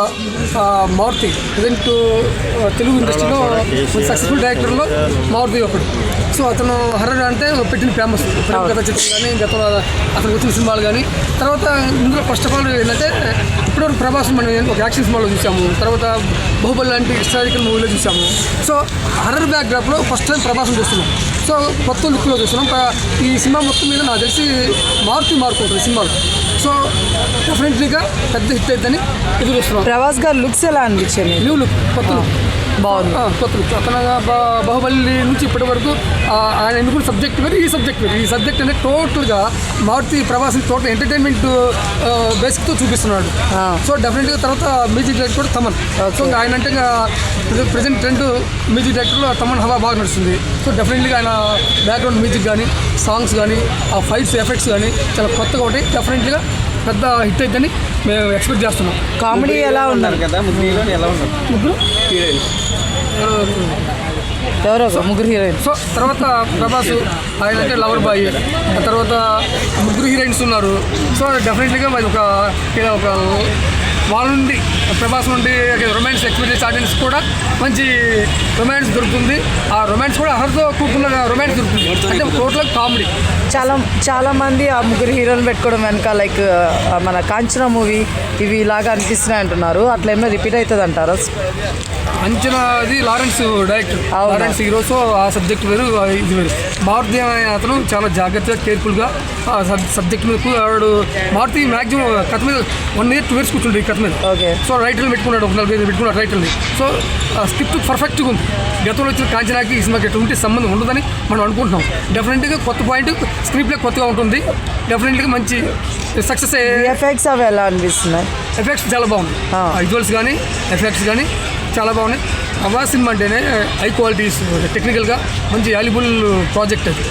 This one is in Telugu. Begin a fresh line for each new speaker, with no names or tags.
మారుతి ప్రజెంట్ తెలుగు ఇండస్ట్రీలో సక్సెస్ఫుల్ డైరెక్టర్లో మారుతి ఒకడు. సో అతను హర్రర్ అంటే పెట్టిన ఫేమస్ గత చిత్రం కానీ గతంలో అతనికి వచ్చిన సినిమాలు కానీ. తర్వాత ఇందులో ఫస్ట్ ఆఫ్ ఆల్ ఏంటంటే ఇప్పటివరకు ప్రభాస్ మనం ఒక యాక్షన్ సినిమాలో చూసాము, తర్వాత బాహుబలి లాంటి హిస్టారికల్ మూవీలో చూసాము. సో హర్రర్ బ్యాక్డ్రాప్లో ఫస్ట్ టైం ప్రభాసం చూస్తున్నాం. సో కొత్త లుక్లో చూస్తున్నాం. ఈ సినిమా మొత్తం మీద నాకు తెలిసి మారుతి ఉంటుంది సినిమాలో. సో డెఫినెట్లీగా పెద్ద హిట్ అవుతుందని ఎదురు చూస్తున్నాం.
ప్రభాస్ గారు లుక్స్ ఎలా అనిపించింది?
న్యూ లుక్, కొత్త లుక్,
బాగుంది.
కొత్త లుక్. అతను బాహుబలి నుంచి ఇప్పటి వరకు ఆయన ఎన్నుకున్న సబ్జెక్ట్ వేరు, ఈ సబ్జెక్ట్ వేరు. ఈ సబ్జెక్ట్ అనేది టోటల్గా మారుతి ప్రభాస్ని టోటల్ ఎంటర్టైన్మెంట్ బేసిక్తో చూపిస్తున్నాడు. సో డెఫినెట్గా తర్వాత మ్యూజిక్ డైరెక్టర్ కూడా తమన్. సో ఆయన అంటే ప్రజెంట్ ట్రెండ్ మ్యూజిక్ డైరెక్టర్లో తమన్ హవా బాగా నడుస్తుంది. సో డెఫినెట్లీగా ఆయన బ్యాక్గ్రౌండ్ మ్యూజిక్ కానీ, సాంగ్స్ కానీ, ఆ ఫైట్స్ ఎఫెక్ట్స్ కానీ చాలా కొత్తగా ఉంటాయి. డెఫినెట్లీగా పెద్ద హిట్ అవుతుందని మేము ఎక్స్పెక్ట్ చేస్తున్నాం.
కామెడీ ఎలా ఉన్నారు
కదా,
ముగ్గురు
ఎవరో ముగ్గురు హీరోయిన్.
సో తర్వాత ప్రభాస్ ఆయన అంటే లవర్ బాయ్, ఆ తర్వాత ముగ్గురు హీరోయిన్స్ ఉన్నారు. సో డెఫినెట్లీగా మరి ఒక వాళ్ళ నుండి ప్రభాస్ నుండి రొమాన్స్ ఎక్స్పీరియన్స్ ఆడియన్స్ కూడా మంచి రొమాన్స్ దొరుకుతుంది. ఆ రొమాన్స్ కూడా హర్తో కూడుకున్న రొమాన్స్ దొరుకుతుంది. అంటే టోటల్ కామెడీ.
చాలా మంది ఆ ముగ్గురు హీరోలు పెట్టుకోవడం వెనక లైక్ మన కాంచనా మూవీ ఇవి ఇలాగా అనిపిస్తున్నాయి అంటున్నారు. అట్లా ఏమైనా రిపీట్ అవుతుంది అంటారా?
అంచనా అది Lawrence director, Lawrence hero. So ఆ సబ్జెక్ట్ వేరు, ఇది వేరు. మారుతి అనే అతను చాలా జాగ్రత్తగా కేర్ఫుల్గా సబ్జెక్ట్ మీద వాడు. మారుతి మ్యాక్సిమం కథ మీద 1 year 2 years కూర్చుంటాడు ఈ కథ మీద. సో రైటర్లు పెట్టుకున్నాడు, 4-5 పెట్టుకున్నాడు రైటర్ని. సో స్క్రిప్ట్ పర్ఫెక్ట్గా ఉంది. గతంలో వచ్చిన కాంచనాకి ఈ సినిమాకి ఎటువంటి సంబంధం ఉండదని మనం అనుకుంటున్నాం. డెఫినెట్గా కొత్త పాయింట్, స్క్రీన్ ప్లే కొత్తగా ఉంటుంది. డెఫినెట్గా మంచి సక్సెస్.
ఎఫెక్ట్స్ అవి ఎలా అనిపిస్తున్నాయి?
ఎఫెక్ట్స్ చాలా బాగుంది. విజువల్స్ కానీ ఎఫెక్ట్స్ కానీ చాలా బాగున్నాయి. ప్రభాస్ సినిమా అంటేనే హై క్వాలిటీస్, టెక్నికల్గా మంచి వాల్యుబుల్ ప్రాజెక్ట్ అది.